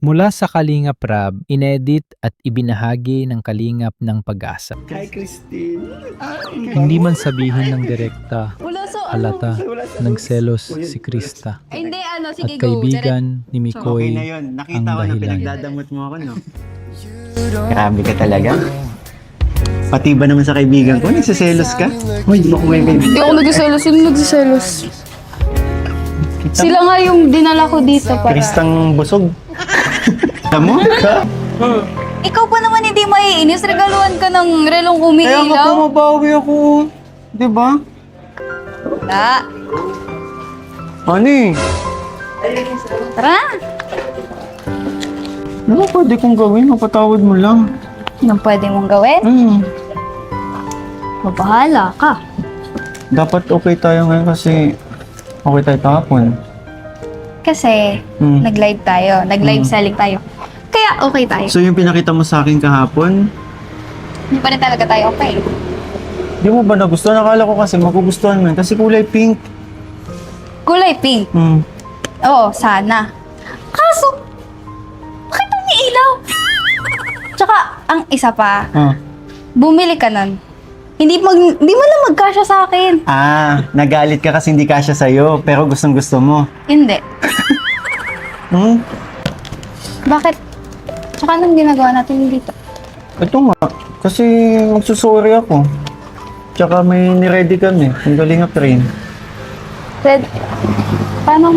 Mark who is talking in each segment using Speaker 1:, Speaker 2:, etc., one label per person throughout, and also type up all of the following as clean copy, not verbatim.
Speaker 1: Mula sa Kalingap Rab, inedit at ibinahagi ng Kalingap ng Pag-asa.
Speaker 2: Hi, Christine.
Speaker 1: Hindi man sabihin ng direkta,
Speaker 3: Wala sa
Speaker 1: halata, nagselos si Krista.
Speaker 3: Ay, hindi,
Speaker 1: At
Speaker 3: sige go.
Speaker 1: kaibigan ni
Speaker 2: Okay
Speaker 1: Mikoy
Speaker 2: na yun. Nakita
Speaker 1: ang
Speaker 2: ko na
Speaker 1: dahilan.
Speaker 2: pinagdadamot mo ako, no? Grabe ka talaga. Pati ba naman sa kaibigan ko? Nagsiselos ka? Uy, di mo ko may baby.
Speaker 3: Hindi ako nagsiselos. Sino nagsiselos? Sila nga yung dinala ko dito para...
Speaker 2: Kristang busog. Tamo?
Speaker 3: Ikaw pa naman hindi maiinis. Regaluhan ka ng relong
Speaker 2: Kaya nga
Speaker 3: umiilaw.
Speaker 2: pumabawi ako. Di ba?
Speaker 3: Wala.
Speaker 2: Ano eh?
Speaker 3: Tara.
Speaker 2: Ano pwede kong gawin? Mapatawad mo lang.
Speaker 3: Anong pwede mong gawin? Mabahala ka.
Speaker 2: Dapat okay tayo ngayon kasi okay tayo kahapon.
Speaker 3: Kasi nag-live tayo. Nag-live selling tayo. Kaya okay tayo.
Speaker 2: So yung pinakita mo sa akin kahapon,
Speaker 3: Hindi pa rin talaga tayo okay.
Speaker 2: di mo ba nagustuhan? Nakala ko kasi magugustuhan mo yun kasi kulay pink.
Speaker 3: Kulay pink. Oo, sana. Kaso, bakit umiilaw? Tsaka, ang isa pa, bumili ka nun. Hindi mo lang magkasya sa akin.
Speaker 2: Nagalit ka kasi hindi kasya sa'yo, pero gustong gusto mo.
Speaker 3: Hindi. Bakit? Tsaka anong ginagawa natin dito?
Speaker 2: Ito nga, kasi magsusorry ako. Tsaka may niready kami, yung galing train.
Speaker 3: Red, paano?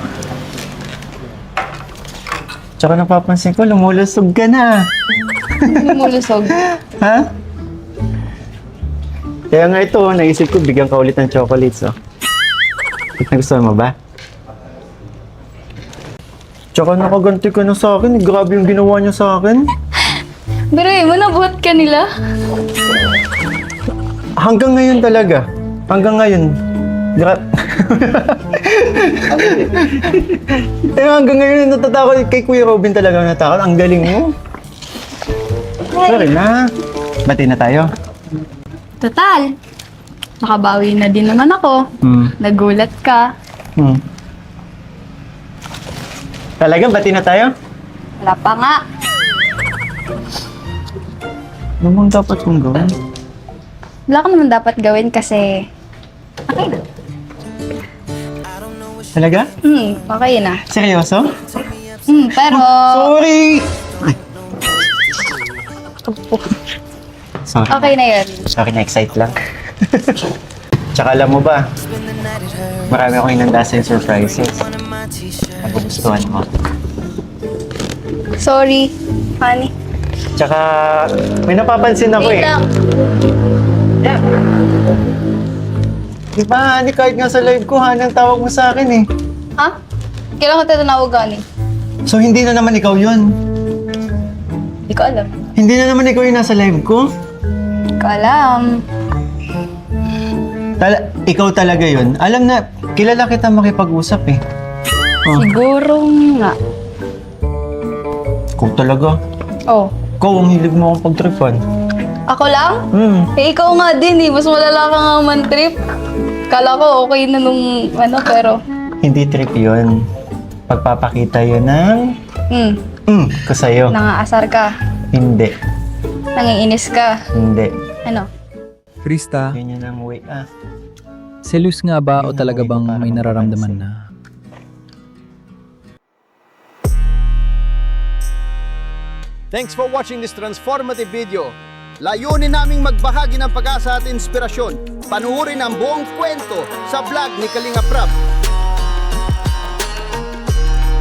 Speaker 2: Tsaka napapansin ko, lumulusog ka na.
Speaker 3: Lumulusog?
Speaker 2: Ha? Kaya nga ito, naisip ko, bigyan ka ulit ng chocolates, oh. Nagustuhan mo ba? Tsaka nakaganti ka na sa akin, grabe yung ginawa niya sa akin.
Speaker 3: Pero mo, nabuhat ka nila?
Speaker 2: Hanggang ngayon talaga. Hanggang ngayon. Hanggang ngayon natatakot kay Kuya Robin talaga natakot. Ang galing mo. Sorry na. Bati na tayo.
Speaker 3: Total. Nakabawi na din naman ako. Nagulat ka.
Speaker 2: Talaga, bati na tayo?
Speaker 3: Wala pa nga.
Speaker 2: Ano bang dapat kong gawin?
Speaker 3: Wala ka naman dapat gawin kasi... Okay na.
Speaker 2: Talaga?
Speaker 3: Okay na.
Speaker 2: Seryoso?
Speaker 3: Pero...
Speaker 2: Sorry! Sorry.
Speaker 3: Okay na yun.
Speaker 2: Sorry, na-excite lang. Tsaka alam mo ba, marami akong inanda sa surprises. Nagugustuhan mo.
Speaker 3: Sorry, honey.
Speaker 2: Tsaka, may napapansin ako
Speaker 3: Wait lang.
Speaker 2: Yeah. Diba, Hani, kahit nga sa live ko, Hani ang tawag mo sa akin eh.
Speaker 3: Ha? Kailan ko tatanawag, honey?
Speaker 2: So, hindi na naman ikaw yun.
Speaker 3: Hindi ko alam.
Speaker 2: Hindi na naman ikaw yung nasa live ko.
Speaker 3: Hindi ko alam.
Speaker 2: Ikaw talaga yun. Alam na, kilala kita makipag-usap eh.
Speaker 3: Siguro nga.
Speaker 2: Ikaw talaga.
Speaker 3: Oh.
Speaker 2: Ikaw ang hilig mo akong pagtripan.
Speaker 3: Ako lang? Eh, ikaw nga din eh. Mas malala ka nga man-trip. Kala ko okay na nung pero...
Speaker 2: Hindi trip yun. Pagpapakita yun ng... ko sa'yo.
Speaker 3: Nangaasar ka.
Speaker 2: Hindi.
Speaker 3: Nangiinis ka.
Speaker 2: Hindi.
Speaker 3: Ano?
Speaker 1: Krista,
Speaker 2: Yun yun ang way.
Speaker 1: selos nga ba o talaga bang may nararamdaman na?
Speaker 4: Thanks for watching this transformative video. Layunin naming magbahagi ng pag-asa at inspirasyon. Panuorin ang buong kwento sa vlog ni Kalingap Rab.